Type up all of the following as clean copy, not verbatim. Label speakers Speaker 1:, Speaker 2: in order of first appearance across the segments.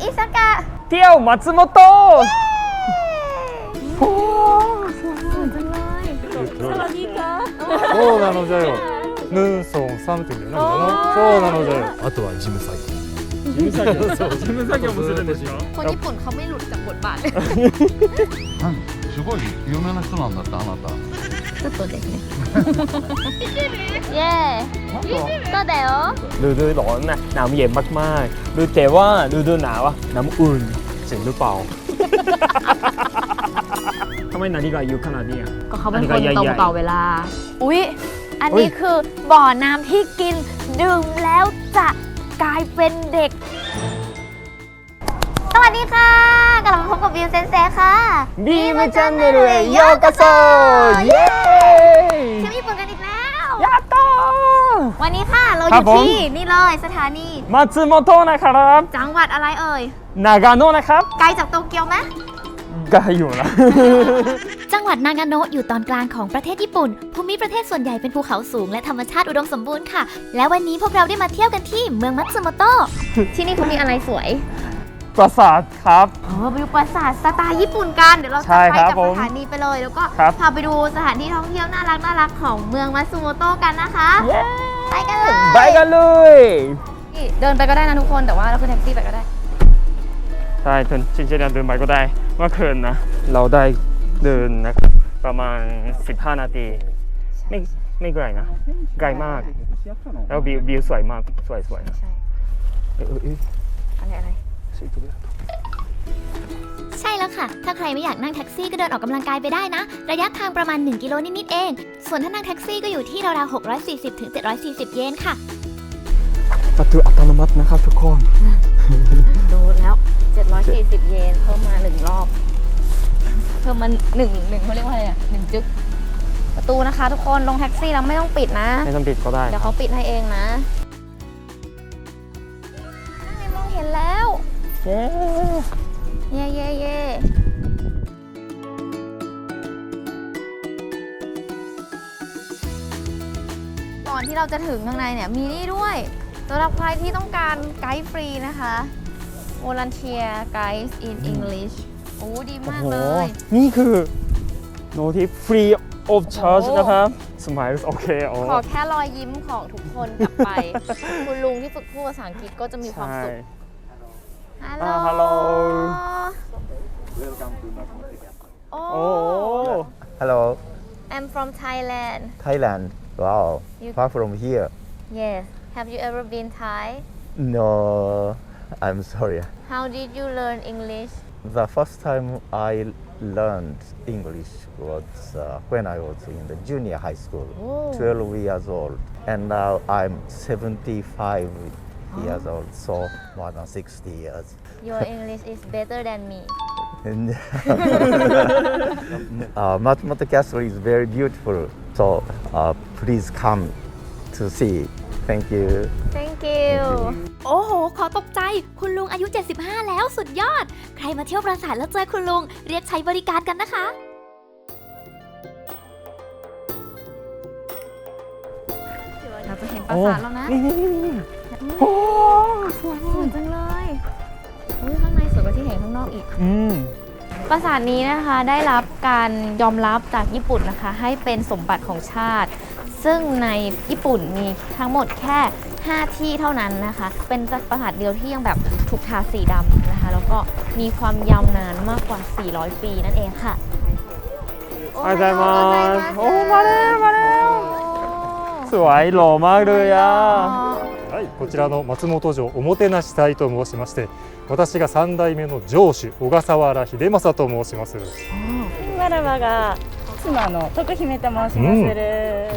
Speaker 1: อิซากะ
Speaker 2: เที่ยวมัตสึโมโตะโอ้
Speaker 1: สวยจังเลยสวัสดีค่ะ
Speaker 3: そうなのじゃよヌンソンサムって言うんだよなそうなのじゃよあとは事務作業
Speaker 2: 事務作業そう事務作業もするんですよ
Speaker 1: คนญี่ปุ่นเขาไม่หลุดจากบทบาทเลย
Speaker 3: すごい有名な人なんだってあなた
Speaker 1: ちょっとですねเย้ก็เดี๋ยว
Speaker 2: ฤดูร้อนนะหนาวเย็นมากๆฤดูแต่ว่าฤดูหนาวอะน้ำอุ่นจริงหรือเปล่าทำไมนาฬิกาอยู่ขนาดนี้
Speaker 1: ก็เขาเป็นคนตรงต่อเวลาอุ๊ยอันนี้คือบ่อน้ำที่กินดื่มแล้วจะกลายเป็นเด็กสวัสดีค่ะกลับมาพบกับวิวเซนเซค่ะ
Speaker 2: บีมาจันเนรุเอโยกาโซเย้
Speaker 1: เที่ยวญี่ปุ่นกันอีกแล้ว
Speaker 2: ยาโต
Speaker 1: วันนี้ค่ะเราอยู่ที่นี่เลยสถานี
Speaker 2: มัตสึโมโตะนะครับ
Speaker 1: จังหวัดอะไรเอ่ย
Speaker 2: นากาโนะนะครับ
Speaker 1: ไกลจากโตเกียวไหม
Speaker 2: ไกลอยู่นะ
Speaker 4: จังหวัดนากาโนะอยู่ตอนกลางของประเทศญี่ปุ่นภูมิประเทศส่วนใหญ่เป็นภูเขาสูงและธรรมชาติอุดมสมบูรณ์ค่ะและวันนี้พวกเราได้มาเที่ยวกันที่เมืองมัตสึโมโตะ
Speaker 1: ที่นี่เขามีอะไรสวย
Speaker 2: ปราสาทครับ
Speaker 1: ไปดูปราสาทสไตล์ญี่ปุ่นกันเดี๋ยวเราจะไปกับสถานีไปเลยแล้วก็พาไปดูสถานที่ท่องเที่ยวน่ารักของเมืองมัตสึโมโตะกันนะคะไปกันเลยเดินไปก็ได้นะทุกคนแต่ว่าเราขึ้นแท็กซี่ไปก็ได้
Speaker 2: ใช่จริงๆเดินไปก็ได้เมื่อคืนนะเราได้เดินนะครับประมาณ15นาทีไม่ไกลนะไกลมากแล้ววิวสวยมากสวยนะ
Speaker 1: อะไร
Speaker 4: ใช่แล้วค่ะถ้าใครไม่อยากนั่งแท็กซี่ก็เดินออกกำลังกายไปได้นะระยะทางประมาณ1กิโลนิดๆเองส่วนถ้านั่งแท็กซี่ก็อยู่ที่ราวๆ640 ถึง 740 เยนค่ะ
Speaker 2: ประตูอัตโนมัตินะครับทุกคน
Speaker 1: ดูแล้ว740 เยนเพิ่มมา1รอบเพิ่มมา1เขาเรียกว่าอะไรอ่ะ1จึ๊กประตูนะคะทุกคนลงแท็กซี่แล้วไม่ต้องปิดนะ
Speaker 2: ไม่ต้องปิดก็ได้
Speaker 1: เดี๋ยวเขาปิดให้เองนะไม่มองเห็นแล้วเย่ก่อนที่เราจะถึงข้างในเนี่ยมีนี่ด้วยสำหรับใครที่ต้องการไกด์ฟรีนะคะ Volunteer Guides in English โอ้ดีมากเลย
Speaker 2: นี่คือโน้ตที่ free of charge นะครับสมัยโอเค
Speaker 1: ขอแค่รอยยิ้มของทุกคนกลับไป คุณลุงที่ฝึกพูดภาษาอังกฤษก็จะมีความสุขฮัลโหล
Speaker 5: Welcome to Mathematica.
Speaker 3: Hello
Speaker 1: I'm from Thailand
Speaker 5: Thailand. Wow. Far from here.
Speaker 1: Yes Have you ever been Thai
Speaker 5: No, I'm sorry.
Speaker 1: How did you learn English
Speaker 5: The first time I learned English was when I was in the junior high school, 12 years old. And now I'm 75 years old, so more than 60 years.
Speaker 1: Your English is better than me
Speaker 5: Matsumoto Castle is very beautiful, so please come to see. Thank you.
Speaker 1: Thank you
Speaker 4: โอ้โหขอตกใจคุณลุงอายุ75แล้วสุดยอดใครมาเที่ยวปราสาทแล้วเจอคุณลุงเรียกใช้บริการกันนะคะ
Speaker 1: เราจะเห็นปราสาทแล้วนะโอ้สวยจังเลยข้างในสวยกว่าที่เห็นข้างนอกอีกปราสาทนี้นะคะได้รับการยอมรับจากญี่ปุ่นนะคะให้เป็นสมบัติของชาติซึ่งในญี่ปุ่นมีทั้งหมดแค่5ที่เท่านั้นนะคะเป็นปราสาทเดียวที่ยังแบบถูกทาสีดำนะคะแล้วก็มีความยาวนานมากกว่า400ปีนั่นเองค่ะ
Speaker 2: มาแล้วสวยหล่อมากเลยอ่ะ
Speaker 3: はい、こちらの松本城おもてなし隊と申しまして私が3代目の城主小笠原秀政と申します
Speaker 6: わらわが妻の徳姫と申します、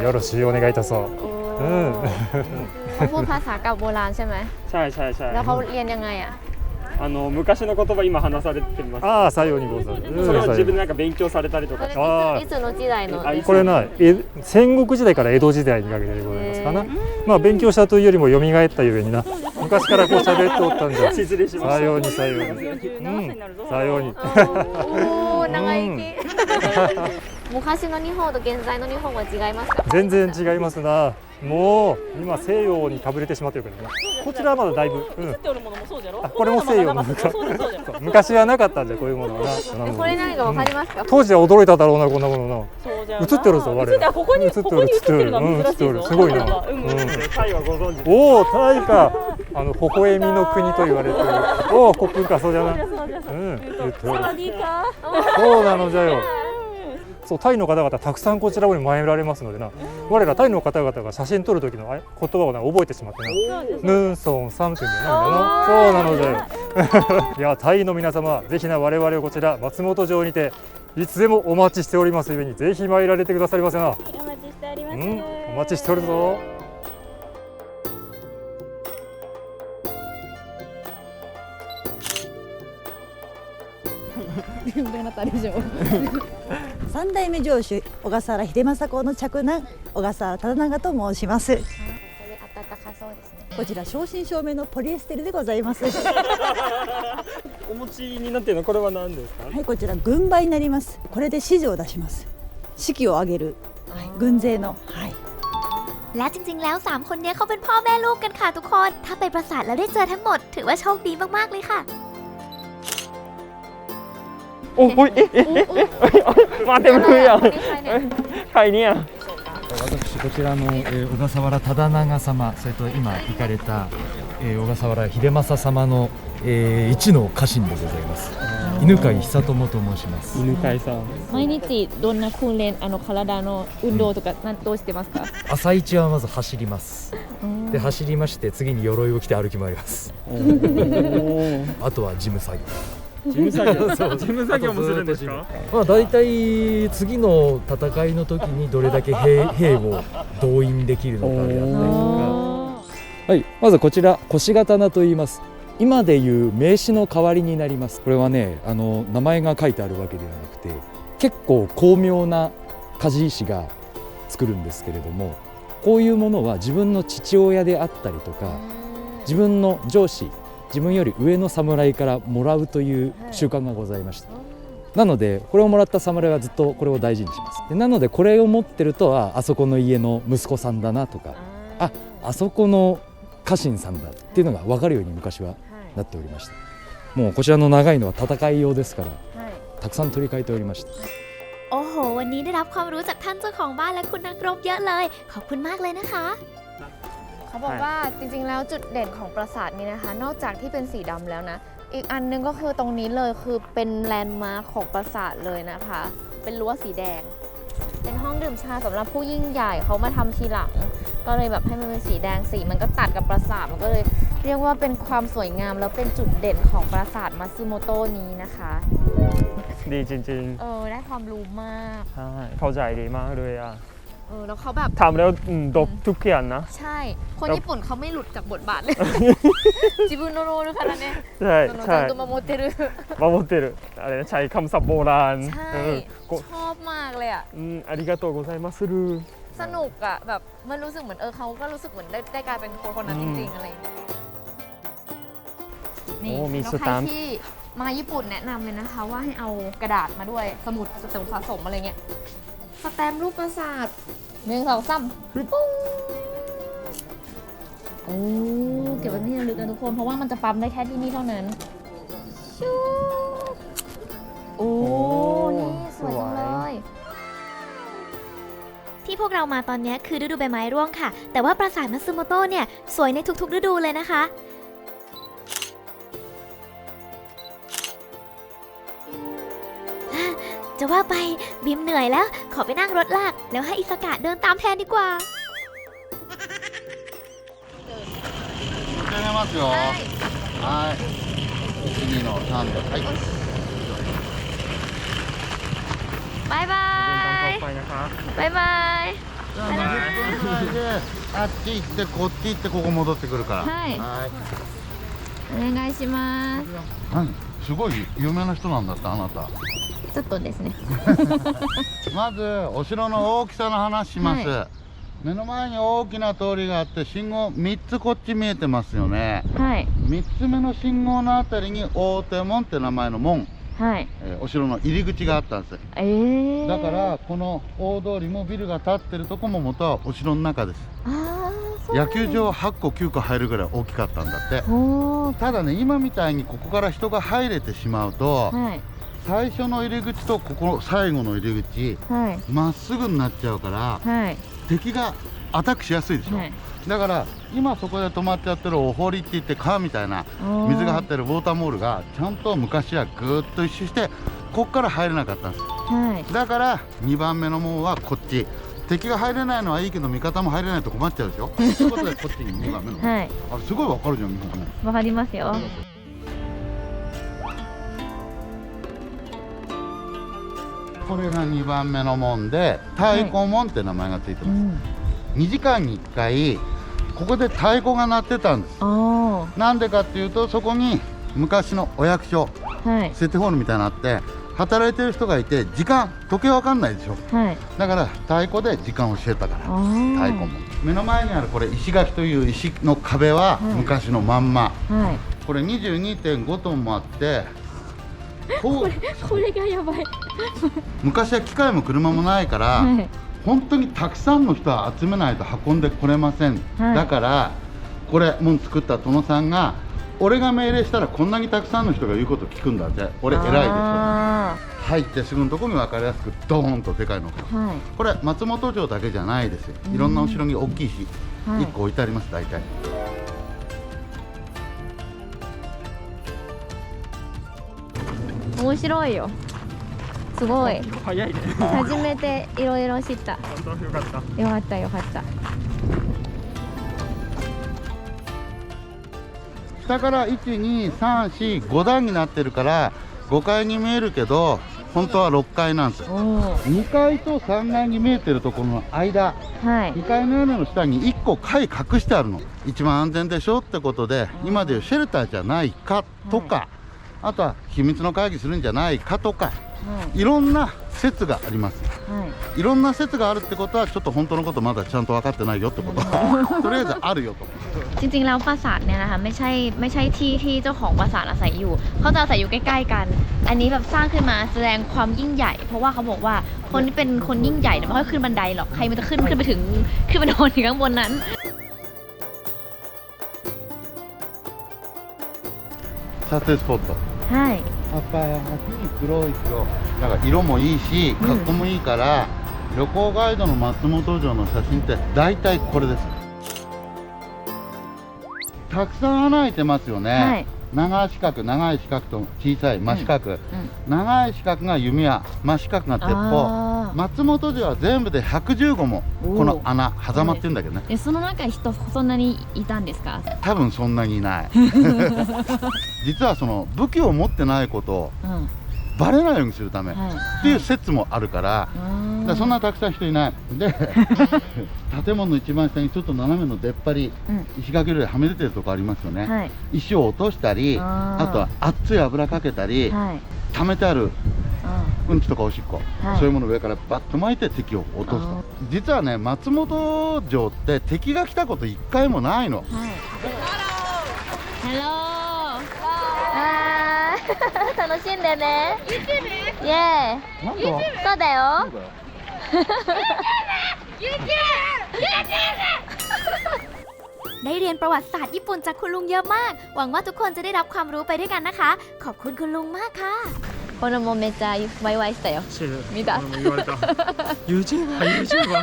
Speaker 3: よろしくお願いいたそう
Speaker 1: เขาพูดภาษาเก่าโบราณใช่ไหม
Speaker 2: ใช่
Speaker 1: แล้วเขาเรียนยังไงอ่ะ
Speaker 2: 昔の言葉今話されてます
Speaker 3: ああ、さようにございます
Speaker 2: それは自分でなんか勉強されたりとか
Speaker 1: いつの時代の
Speaker 3: これな戦国時代から江戸時代にかけてでございますかなまあ勉強したというよりも蘇ったゆえにな昔からこう喋っておったんじゃ
Speaker 2: 失礼しました
Speaker 3: さようにさようにさように
Speaker 1: おー長生き昔の日本と現在の日本は違いますか？
Speaker 3: 全然違いますな。もう今西洋にかぶれてしまってるけどね。こちらはまだだいぶ、
Speaker 6: 映っておるものもそうじゃろ。
Speaker 3: あ、これも西洋の
Speaker 6: そうそうそうじゃろ。
Speaker 3: 昔はなかったんでこういうものはな。
Speaker 1: これ何かわかりますか？
Speaker 3: 当時は驚いただろうなこんなものな。
Speaker 6: そうじゃ
Speaker 3: 映ってるぞ我ら。
Speaker 6: ここに映ってるのは珍しいぞ。
Speaker 3: すごいな。
Speaker 2: タイはご存知ですか？
Speaker 3: おお、タイか。微笑みの国と言われてる。おお、コップンかそうじゃな。言ってる。そうなのじゃよ。そう、タイの方々たくさんこちらに参られますのでな、我らタイの方々が写真撮る時の言葉を覚えてしまってな、ヌンソンサムっていうんだよな。そうなのじゃよ。いや、タイの皆様、ぜひな我々をこちら松本城にていつでもお待ちしておりますゆえに、ぜひ参られてくださりませな。
Speaker 6: お待ちしております。
Speaker 3: お待ちしておるぞ。
Speaker 7: 三代目城主小笠原秀政公の嫡男小笠原忠長と申します。
Speaker 1: これ暖かそうですね。
Speaker 7: こちら正真正銘のポリエステルでございます。
Speaker 2: お持ちになっているのこれは何ですか？
Speaker 7: はい、こちら軍馬になります。これで指示を出します。士気を上げる、はい、軍勢の、はい。
Speaker 4: และจริงๆแล้ว3คนนี้เขาเป็นพ่อแม่ลูกกันค่ะทุกคนถ้าไปปราสาทแล้วได้เจอทั้งหมดถือว่าโชคดีมากๆเลยค่ะ
Speaker 2: โอ้ยมาเต็มเลยอ่ะใครเนี่ย
Speaker 8: 私こちらの、小笠原忠長様、それと今行かれた、小笠原秀政様の、一の家臣でございます。犬飼久友と申します。
Speaker 2: 犬飼さん。
Speaker 6: 毎日どんな訓練体の運動とかどうしてますか？
Speaker 8: 朝一はまず走ります。で走りまして次に鎧を着て歩き回ります。あとは事務作業。
Speaker 2: 事務作業事務作業もするんですか？
Speaker 8: まあ大体次の戦いの時にどれだけ兵を動員できるのかであったりとか、はい、まずこちら腰刀と言います。今でいう名刺の代わりになります。これはね、名前が書いてあるわけではなくて、結構巧妙な鍛冶師が作るんですけれども、こういうものは自分の父親であったりとか、自分の上司、自分より上の侍からもらうという習慣がございました。なのでこれをもらった侍はずっとこれを大事にします。でなのでこれを持ってると、あそこの家の息子さんだなとか、あそこの家臣さんだっていうのが分かるように昔はなっておりました。もうこちらの長いのは戦い用ですから、たくさん取り替えておりました。
Speaker 4: โอ้โหวันนี้ได้รับความรู้จากท่านเจ้าของบ้านและคุณนักรบเยอะเลยขอบคุณมากเลยนะคะ
Speaker 1: เขาบอกว่าจริงๆแล้วจุดเด่นของปราสาทนี้นะคะ นอกจากที่เป็นสีดำแล้วนะ อีกอันนึงก็คือตรงนี้เลยคือเป็นแลนด์มาร์คของปราสาทเลยนะคะ เป็นรั้วสีแดง เป็นห้องดื่มชาสำหรับผู้ยิ่งใหญ่เขามาทำทีหลัง ก็เลยแบบให้มันเป็นสีแดงสีมันก็ตัดกับปราสาทมันก็เลยเรียกว่าเป็นความสวยงามแล้วเป็นจุดเด่นของปราสาทมัตสึโมโตะนี้นะคะ
Speaker 2: ดีจริง
Speaker 1: ได้ความรู้มาก
Speaker 2: ๆใช่เข้าใจดีมากเลยอ่ะ
Speaker 1: แล้วเขาแบบ
Speaker 2: ทำแล้วดบทุกอย่างนะ
Speaker 1: ใช่ คนญี่ปุ่นเขาไม่หลุดจากบทบาทเลย จิบุโนโรนุคาราเนะ
Speaker 2: ใช่ใช่
Speaker 1: ตัวมาโมเตรุ
Speaker 2: มาโมเตรุอะไรนะใช้คำศัพท์โบราณ
Speaker 1: ใช่ ชอบมากเลยอ่ะ
Speaker 2: อาริกาโตโกไซมัสรุ
Speaker 1: สนุกอ่ะแบบมันรู้สึกเหมือนเขาก็รู้สึกเหมือนได้กลายเป็นคนนั้นจริงๆอะไรอย่างเงี้ยนี่แล้วใครที่มาญี่ปุ่นแนะนำเลยนะคะว่าให้เอากระดาษมาด้วยสมุดสะสมอะไรเงี้ยสแตมป์รูปปราสาท1 2 3ปุ้งโอ้เก็บไว้ที่ระลึกนะทุกคนเพราะว่ามันจะปั๊มได้แค่ที่นี่เท่านั้นชูโอ้นี่สวยจังเลย
Speaker 4: ที่พวกเรามาตอนนี้คือฤดูใบไม้ร่วงค่ะแต่ว่าปราสาทมัตสึโมโตะเนี่ยสวยในทุกๆฤดูเลยนะคะจะว่าไปบิมเหนื่อยแล้วขอไปนั่งรถลากแล้วให้อิสกะเดินตามแทนดีกว่า
Speaker 9: 始めますよ。はい。1、2の3で。はい。
Speaker 1: バイバ
Speaker 2: ต่อ
Speaker 1: イ
Speaker 2: ไปนะคะ
Speaker 1: バイバイ
Speaker 9: じゃあ20分くらいであっち行ってこっち行ってここ戻ってくるから。
Speaker 1: はい
Speaker 9: はい。
Speaker 1: お願いします
Speaker 9: 何？すごい有名な人なんだってあなた。
Speaker 1: ちょっとですね
Speaker 9: まずお城の大きさの話します。
Speaker 1: は
Speaker 9: 目の前に大きな通りがあって信号3つこっち見えてますよね。
Speaker 1: はい
Speaker 9: 3つ目の信号のあたりに大手門って名前の門
Speaker 1: はい
Speaker 9: お城の入り口があったんです。だからこの大通りもビルが建ってるとこも元はお城の中です。野球場8個9個入るぐらい大きかったんだって。ただね、今みたいにここから人が入れてしまうと、最初の入り口とここ最後の入り口まっすぐになっちゃうから、敵がアタックしやすいでしょ。だから今そこで止まっちゃってるお堀って言って川みたいな水が張ってるウォーターモールがちゃんと昔はぐーっと一周してこっから入れなかったんです。だから2番目の門はこっち。敵が入れないのはいいけど味方も入れないと困っちゃうでしょ。ということでこっちに2番目の門。あれすごいわかるじゃん、日本語ね。
Speaker 1: わかりますよ。
Speaker 9: これが2番目の門で太鼓門って名前がついてます。2時間に1回ここで太鼓が鳴ってたんです。なんでかっていうと、そこに昔のお役所、セテホールみたいなのあって働いてる人がいて、時計わかんないでしょ。だから太鼓で時間を教えたから太鼓門。目の前にあるこれ石垣という石の壁は昔のまんま、これ 22.5 トンもあってこれがやばい昔は機械も車もないから、本当にたくさんの人は集めないと運んでこれません。だからこれ門作った殿さんが、俺が命令したらこんなにたくさんの人が言うこと聞くんだって、俺偉いでしょ。入ってすぐのところに分かりやすくドーンとでかいのが、これ松本城だけじゃないですよ。いろんなお城に大きい石1個置いてあります。大体
Speaker 1: 面白いよ。すごい。
Speaker 2: 早いね。
Speaker 1: 初めていろいろ知った。
Speaker 2: 本当よかった。
Speaker 1: よかったよかった。
Speaker 9: 下から1、2、3、4、5段になってるから5階に見えるけど本当は6階なんですよ。2階と3階に見えてるところの間、2階の屋根の下に1個階隠してあるの。一番安全でしょってことで、今でいうシェルターじゃないかとか、あとは秘密の会議するんじゃないかとか、いろんな説があります。いろんな説があるってことはちょっと本当のことまだちゃんと分かってないよってこととりあえずあるよと。
Speaker 1: จริงๆแล้วปราสาทเนี่ยนะคะไม่ใช่ที่ที่เจ้าของปราสาทอาศัยอยู่เขาจะอาศัยอยู่ใกล้ๆกันอันนี้แบบสร้างขึ้นมาแสดงความยิ่งใหญ่เพราะว่าเขาบอกว่าคนที่เป็นคนยิ่งใหญ่เนี่ยไม่ค่อยขึ้นบันไดหรอกใครมันจะขึ้นไปถึงขึ้นไปนอนถึงข้างบนนั้น
Speaker 9: 撮影スポット。やっぱり黒い色、なんか色もいいし格好もいいから、旅行ガイドの松本城の写真って大体これです。たくさん穴開いてますよね。長い四角と小さい真四角、長い四角が弓矢、真四角が鉄砲。松本城は全部で115もこの穴狭間って言うんだけどね。
Speaker 1: その中に人そんなにいたんですか？
Speaker 9: 多分そんなにいない実はその武器を持ってないことをバレないようにするためっていう説もあるから、そんなたくさん人いないで建物の一番下にちょっと斜めの出っ張り、石垣類はみ出てるとこありますよね。石を落としたり、あとは熱い油かけたり、溜めてあるうんちとかおしっこ、そういうものを上からバッと巻いて敵を落とすと。実はね、松本城って敵が来たこと一回もないの。
Speaker 1: ハロー楽しんでね。イエーイ。そうだよ。
Speaker 4: ได้เรียนประวัติศาสตร์ญี่ปุ่นจากคุณลุงเยอะมากหวังว่าทุกคนจะได้รับความรู้ไปด้วยกันนะคะขอบคุณคุณลุงมากค่ะ
Speaker 1: これもめっちゃワイワイしたよ。見た？
Speaker 2: 言われた。YouTuber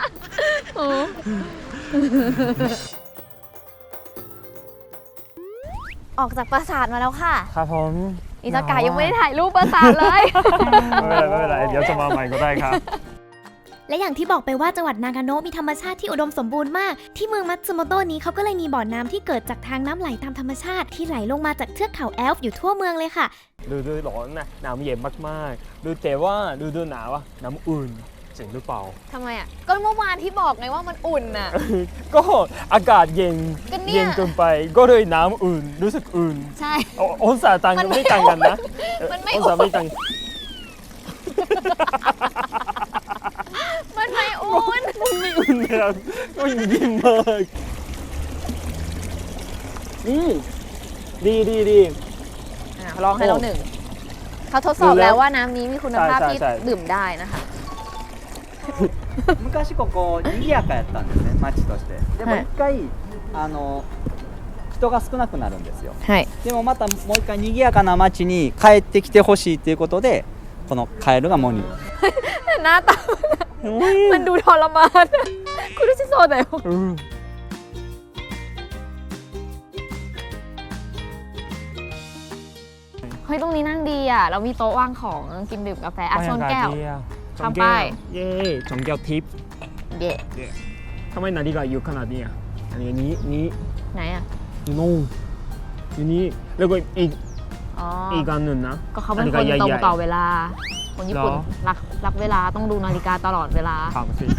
Speaker 1: ออกจากปราสาทมาแล้วค่ะ
Speaker 2: ครับผม
Speaker 1: อิซากะยังไม่ได้ถ่ายรูปปราสาทเลย
Speaker 2: ไม่เป็นไรเดี๋ยวจะมาใหม่ก็ได้ครับ
Speaker 4: และอย่างที่บอกไปว่าจังหวัดนากาโนะมีธรรมชาติที่อุดมสมบูรณ์มากที่เมืองมัตสึโมโตะนี้เขาก็เลยมีบ่อน้ำที่เกิดจากทางน้ำไหลตามธรรมชาติที่ไหลลงมาจากเทือกเขาแอลป์อยู่ทั่วเมืองเลยค่ะ
Speaker 2: ฤดูร้อนนะน้ำเย็นมากๆดูแต่ว่าฤดูหนาวอะน้ำอุ่นจริงหรือเปล่า
Speaker 1: ทำไมอ่ะก็เมื่อวานที่บอกไงว่ามันอุ่นน่ะ
Speaker 2: ก็อากาศเย็นเกินไปก็เลยน้ำอุ่นรู้สึกอุ่น
Speaker 1: ใช่
Speaker 2: องศาต่างกันไม่ต่างกันนะองศาไม่ต่าง
Speaker 1: มันไม่อุ่น
Speaker 2: นะครับก็ยิ่งมากดีลองให้เราหนึ่ง
Speaker 1: เขาทดสอบแล้วว่าน้ำนี้มีคุณภาพที่ดื่มได้นะคะ
Speaker 10: 昔ここ賑やかやったんですね町としてでも一回人が少なくなるんですよ
Speaker 1: ใช่
Speaker 10: でもまたもう一回賑やかな町に帰ってきてほしいということでこのカエルがモニ
Speaker 1: หน้าตามันดูทรมานคุณรู้สึกโซนไหนเฮ้ยตรงนี้นั่งดีอ่ะเรามีโต๊ะวางของกินดื่มกาแฟอ่ะชนแก้ว ทำไป
Speaker 2: เย่ชนแก้วทิพย์
Speaker 1: เย่
Speaker 2: ทำไมนาฬิกาอยู่ขนาดนี้อ่ะอันนี้
Speaker 1: ไหนอ่ะ
Speaker 2: อยู่นู่นอยู่นี่แล้วก็
Speaker 1: อ๋อ
Speaker 2: อีกอันหนึ่งนะ
Speaker 1: ก็เขาเป็นคนตรงต่อเวลา คนญี่ปุ่น
Speaker 2: เหรอ
Speaker 1: รักเวลาต้องดูนาฬิกาตลอดเวลา
Speaker 2: ถามสิ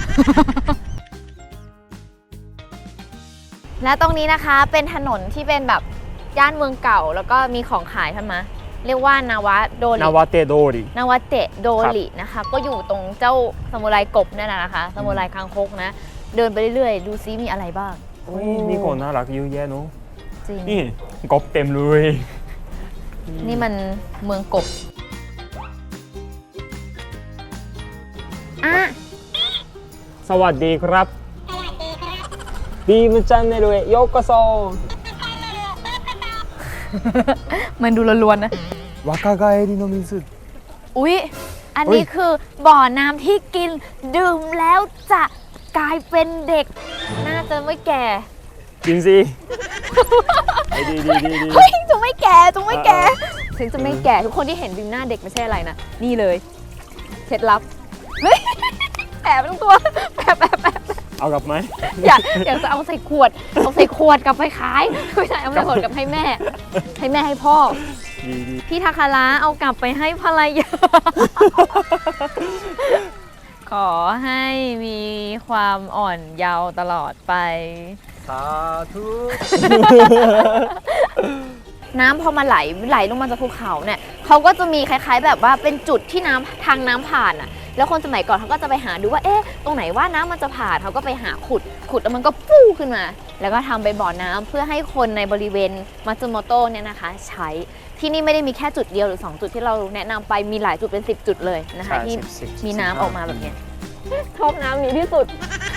Speaker 1: และตรงนี้นะคะเป็นถนนที่เป็นแบบย่านเมืองเก่าแล้วก็มีของขายใช่ไหมเรียกว่านาวะโดริ
Speaker 2: นาวาเตโดริ
Speaker 1: นาวะเตะโดรินะคะ ก็อยู่ตรงเจ้าซามูไรกบเนี่ยนะคะซามูไรคางคกนะ เดินไปเรื่อยๆ ดูซิมีอะไรบ้าง
Speaker 2: มีคนน่ารักเยอะแยะเนาะ
Speaker 1: จริง
Speaker 2: นี่กบเต็มเลย
Speaker 1: นี่มันเมืองกบอ่ะ
Speaker 2: สวัสดีครับดีมจันเนรุเอะโยโกโซ
Speaker 1: มันดูล้วนๆนะ
Speaker 2: วากาไกเอริโนมิซึ
Speaker 1: อุ๊ย อันนี้คือบ่อน้ำที่กินดื่มแล้วจะกลายเป็นเด็ก น่าจะไม่แก่
Speaker 2: กินสิดี
Speaker 1: เฮ้ยจะไม่แก่ถึงจะไม่แก่ทุกคนที่เห็นบิมหน้าเด็กไม่ใช่อะไรนะ นี่เลยเคล็ดลับเฮ้ยแอบทั้งตัวแอบ
Speaker 2: เอากลับไหม
Speaker 1: อยากจะเอาใส่ขวดกลับไปขายไม่ใช่เอาใส่ขวดกลับให้แม่ให้พ่อ
Speaker 2: ดี
Speaker 1: พี่ทาคาระเอากลับไปให้ภรรยา ขอให้มีความอ่อนเยาว์ตลอดไป
Speaker 10: สาธุ
Speaker 1: น้ำพอมาไหลลงมาจากภูเขาเนี่ยเขาก็จะมีคล้ายๆแบบว่าเป็นจุดที่ทางน้ำผ่านอ่ะแล้วคนสมัยก่อนเขาก็จะไปหาดูว่าเอ๊ะตรงไหนว่าน้ำมันจะผ่านเขาก็ไปหาขุดแล้วมันก็ฟู่ขึ้นมา แล้วก็ทำไปนบ่อน้ำเพื่อให้คนในบริเวณมัตสึโมโตะเนี่ยนะคะใช้ที่นี่ไม่ได้มีแค่จุดเดียวหรือ2จุดที่เราแนะนำไปมีหลายจุดเป็น10จุดเลยนะคะที่มีน้ำออกมาแบบเนี้ยชอบน้ำนี้ที่สุด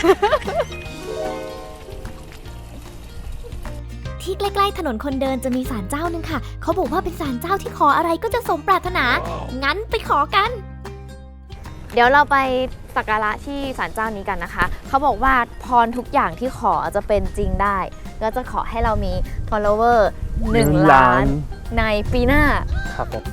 Speaker 4: ที่ใกล้ๆถนนคนเดินจะมีศาลเจ้านึงค่ะ เขาบอกว่าเป็นศาลเจ้าที่ขออะไรก็จะสมปรารถนา งั้นไปขอกัน
Speaker 1: เดี๋ยวเราไปสักการะที่ศาลเจ้านี้กันนะคะ เขาบอกว่าพรทุกอย่างที่ขอจะเป็นจริงได้ก็จะขอให้เรามี follower 1 ล้านในปีหน้า
Speaker 2: ครับผม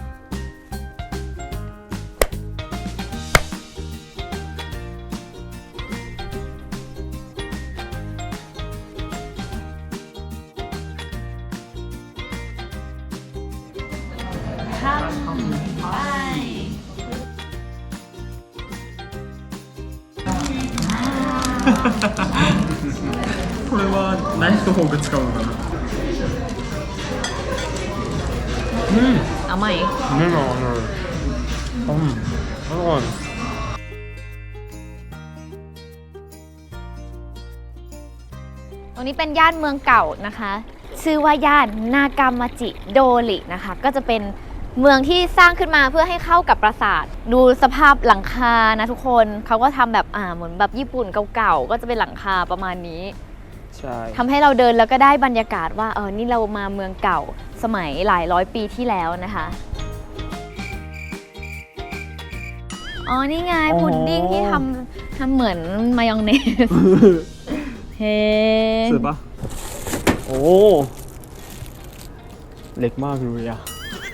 Speaker 2: これはナイフとフォーク使うのかな
Speaker 1: เอาใหม่
Speaker 2: 目があるอร่อย
Speaker 1: ตรงนี้เป็นย่านเมืองเก่านะคะ ชื่อว่าย่านนากามาจิโดรินะคะ ก็จะเป็นเมืองที่สร้างขึ้นมาเพื่อให้เข้ากับปราสาท ดูสภาพหลังคานะทุกคนเขาก็ทำแบบเหมือนแบบญี่ปุ่นเก่าๆก็จะเป็นหลังคาประมาณนี้
Speaker 2: ใช่
Speaker 1: ทำให้เราเดินแล้วก็ได้บรรยากาศว่านี่เรามาเมืองเก่าสมัยหลายร้อยปีที่แล้วนะคะอ๋อนี่ไงพุดดิ้งที่ทำเหมือนมายองเนส เฮ้
Speaker 2: สวยปะโอ้เล็กมากเลยอะ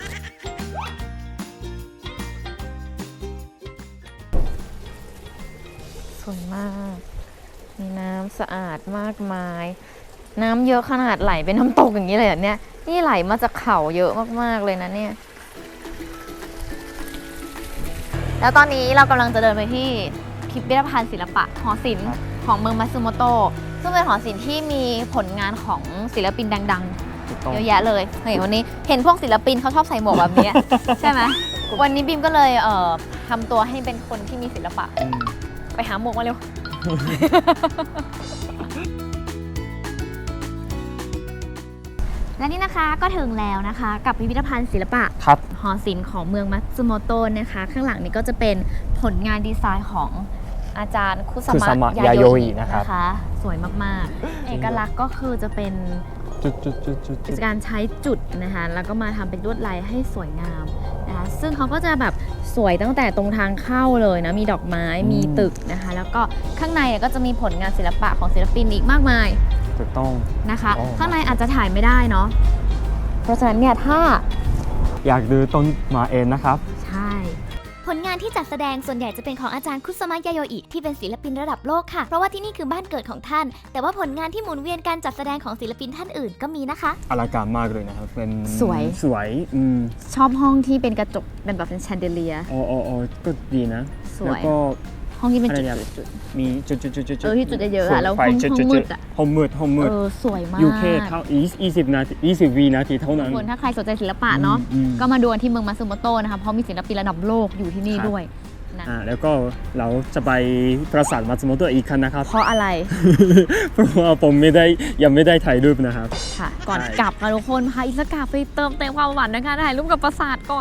Speaker 1: สวยมาก มีน้ำสะอาดมากมาย น้ำเยอะขนาดไหลเป็นน้ำตกอย่างนี้เลยเนี่ย นี่ไหลมาจากเขาเยอะมากๆเลยนะเนี่ย แล้วตอนนี้เรากำลังจะเดินไปที่พิพิธภัณฑ์ศิลปะหอศิลป์ของเมืองมัตสึโมโตะซึ่งเป็นหอศิลป์ที่มีผลงานของศิลปินดังๆ เยอะแยะเลยวันนี้เห็นพวกศิลปินเขาชอบใส่หมวกแบบนี้ ใช่ไหมวันนี้บิมก็เลยทำตัวให้เป็นคนที่มีศิลปะ ไปหาหมวกมาเร็ว ตและนี่นะคะก็ถึงแล้วนะคะกับพิพิธภัณฑ์ศิลปะ
Speaker 2: ครับ
Speaker 1: หอศิลป์ของเมืองมัตสึโมโตะนะคะ ข้างหลังนี้ก็จะเป็นผลงานดีไซน์ของอาจารย์คุส
Speaker 2: คุส
Speaker 1: มะ
Speaker 2: มะ
Speaker 1: ยาย
Speaker 2: า
Speaker 1: โย
Speaker 2: โยอิ
Speaker 1: อิ
Speaker 2: นะครับ
Speaker 1: นะคะ สวยมากๆ เอกลักษณ์ก็คือจะเป็น
Speaker 2: จุด
Speaker 1: การใช้จุดนะคะแล้วก็มาทำเป็นลวดลายให้สวยงามนะคะซึ่งเขาก็จะแบบสวยตั้งแต่ตรงทางเข้าเลยนะมีดอกไม้มีตึกนะคะแล้วก็ข้างในเนี่ยก็จะมีผลงานศิลปะของศิลปินอีกมากมาย
Speaker 2: ถูกต้อง
Speaker 1: นะคะ
Speaker 2: อ๋อ
Speaker 1: ข้างในอาจจะถ่ายไม่ได้เนาะเพราะฉะนั้นเนี่ยถ้า
Speaker 2: อยากดูต้นมาเองนะครับ
Speaker 1: ใช่
Speaker 4: ผลงานที่จัดแสดงส่วนใหญ่จะเป็นของอาจารย์คุสมะยาโยอิที่เป็นศิลปินระดับโลกค่ะ เพราะว่าที่นี่คือบ้านเกิดของท่าน แต่ว่าผลงานที่หมุนเวียนการจัดแสดงของศิลปินท่านอื่นก็มีนะคะ
Speaker 2: อลังการมากเลยนะครับเป็น
Speaker 1: สวย
Speaker 2: สวย
Speaker 1: ชอบห้องที่เป็นกระจกเป็นแบบเป็นแชนเดเลีย
Speaker 2: อ๋อก็ดีนะ
Speaker 1: สวย
Speaker 2: แล้วก็
Speaker 1: ห้องที่เป็น
Speaker 2: อะไร
Speaker 1: จุด
Speaker 2: เนี่ย
Speaker 1: จุด
Speaker 2: มีจุด
Speaker 1: ที่จุดเยอะๆอะแล้ว
Speaker 2: ไฟ
Speaker 1: ห้องมืดอะ
Speaker 2: ห้องมืด
Speaker 1: สวยมาก
Speaker 2: อยู่แค่เท่า20 นาที20 วินาทีเท่านั้น
Speaker 1: คนถ้าใครสนใจศิลปะเนาะ
Speaker 2: อืม
Speaker 1: ก็มาดูกันที่เมืองมัตสึโมโตะนะคะเพราะมีศิลปินระดับโลกอยู่ที่นี่
Speaker 2: ครับ
Speaker 1: ด้วยนะ
Speaker 2: แล้วก็เราจะไปปราสาทมัตสึโมโตะอีกครั้งนะครับ
Speaker 1: เพราะอะไร
Speaker 2: เพราะว่าผมยังไม่ได้ถ่ายรูปนะครับ
Speaker 1: ค่ะ ก่อน
Speaker 2: ใช่
Speaker 1: กลับค่ะทุกคนพาอิสกาไปเติมเต็มความหวานนะคะถ่ายรูปกับปราสาทก่อน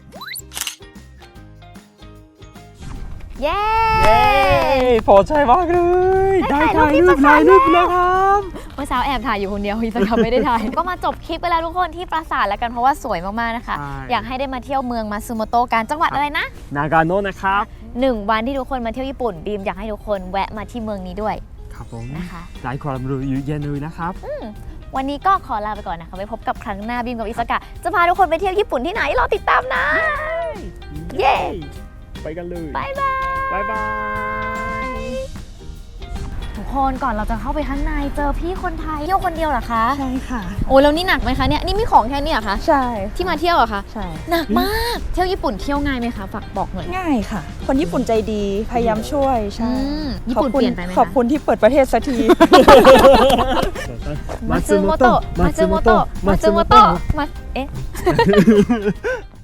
Speaker 1: เย้
Speaker 2: พอใจมากเลย
Speaker 1: ได้ถ่ายรูปที่ปราสาทแล้วครับเมื่อเช้าแอบถ่ายอยู่คนเดียวอิสกาไม่ได้ถ่าย ก็มาจบคลิปไปแล้วทุกคนที่ปราสาทแล้วกันเพราะว่าสวยมากๆนะคะ
Speaker 2: ใช่
Speaker 1: อยากให้ได้มาเที่ยวเมืองมัตสึโมโตะกันจังหวัดอะไรนะ
Speaker 2: นากาโนะนะครับ
Speaker 1: 1 วันที่ทุกคนมาเที่ยวญี่ปุ่นบีมอยากให้ทุกคนแวะมาที่เมืองนี้ด้วย
Speaker 2: ครับผม
Speaker 1: นะคะ
Speaker 2: หลายความรู้เยอะแยะเลยนะครับ
Speaker 1: วันนี้ก็ขอลาไปก่อนนะคะไว้พบกับครั้งหน้าบีมกับอิสกะจะพาทุกคนไปเที่ยวญี่ปุ่นที่ไหนรอติดตามนะ เย้
Speaker 2: ไปกันเลย
Speaker 1: บ๊ายบาย
Speaker 2: บ๊ายบาย
Speaker 1: ทุกคนก่อนเราจะเข้าไปข้างในเจอพี่คนไทยเที่ยวคนเดียวเหรอคะ
Speaker 7: ใช่ค่ะ
Speaker 1: โอ้แล้วนี่หนักไหมคะเนี่ยนี่มีของแค่นี้เหรอคะ
Speaker 7: ใช่
Speaker 1: ที่มาเที่ยวเหรอคะ
Speaker 7: ใช่
Speaker 1: หนักมากเที่ยวญี่ปุ่นเที่ยวง่ายไหมคะฝากบอกหน่อย
Speaker 7: ง่ายค่ะ คนญี่ปุ่นใจดีพยายามช่วยใช่
Speaker 1: ญี่ปุ่นเปลี่ยนไปไหมคะ
Speaker 7: ขอบคุณที่เปิดประเทศสักที
Speaker 1: มัตสึโมโตะมัตสึโมโตะมัตสึโมโตะมัตเอ๊ะ